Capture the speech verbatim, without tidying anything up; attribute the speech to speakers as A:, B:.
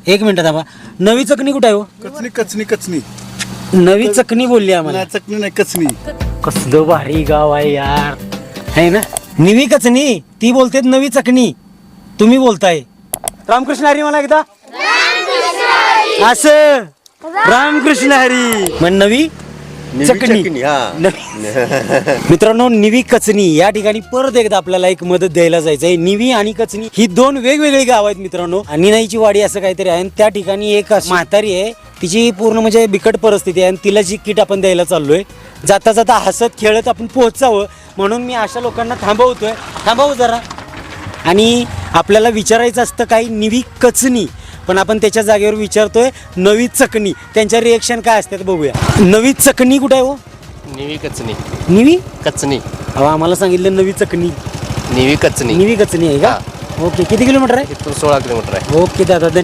A: एक मिनिट थांबा. नवी चकणी कुठे आहे हो?
B: कचनी कचनी कचनी
A: नवी चकणी बोलली आम्हाला.
B: नाही, चकनी नाही कचनी.
A: कसलं भारी गाव आहे यार, है ना. निवी कचनी ती बोलते नवी चकणी, तुम्ही बोलताय. रामकृष्ण हरी मला एकदा असं. रामकृष्ण हरी. मग नवी चकणी. मित्रांनो, निवी कचनी या ठिकाणी परत एकदा आपल्याला एक मदत द्यायला जायचंय. निवी आणि कचनी ही दोन वेगवेगळी गाव आहेत मित्रांनो. निनाईची वाडी असं काहीतरी आहे. त्या ठिकाणी एक म्हातारी आहे, तिची पूर्ण म्हणजे बिकट परिस्थिती आहे आणि तिला जी किट आपण द्यायला चाललोय. जाता जाता हसत खेळत आपण पोहोचावं म्हणून मी अशा लोकांना थांबवतोय. थांबवू जरा. आणि आपल्याला विचारायचं असतं काही निवी कचनी, पण आपण त्याच्या जागेवर विचारतोय नवी चकणी. त्यांच्या रिएक्शन काय असतात बघूया. नवी चकणी कुठे आहे हो?
C: निवी कचनी.
A: निवी
C: कचनी.
A: अहो आम्हाला सांगितलं नवी चकणी.
C: निवी कचनी.
A: निवी कचनी आहे का? ओके. किती किलोमीटर आहे?
C: इथून सोळा किलोमीटर आहे.
A: ओके दादा.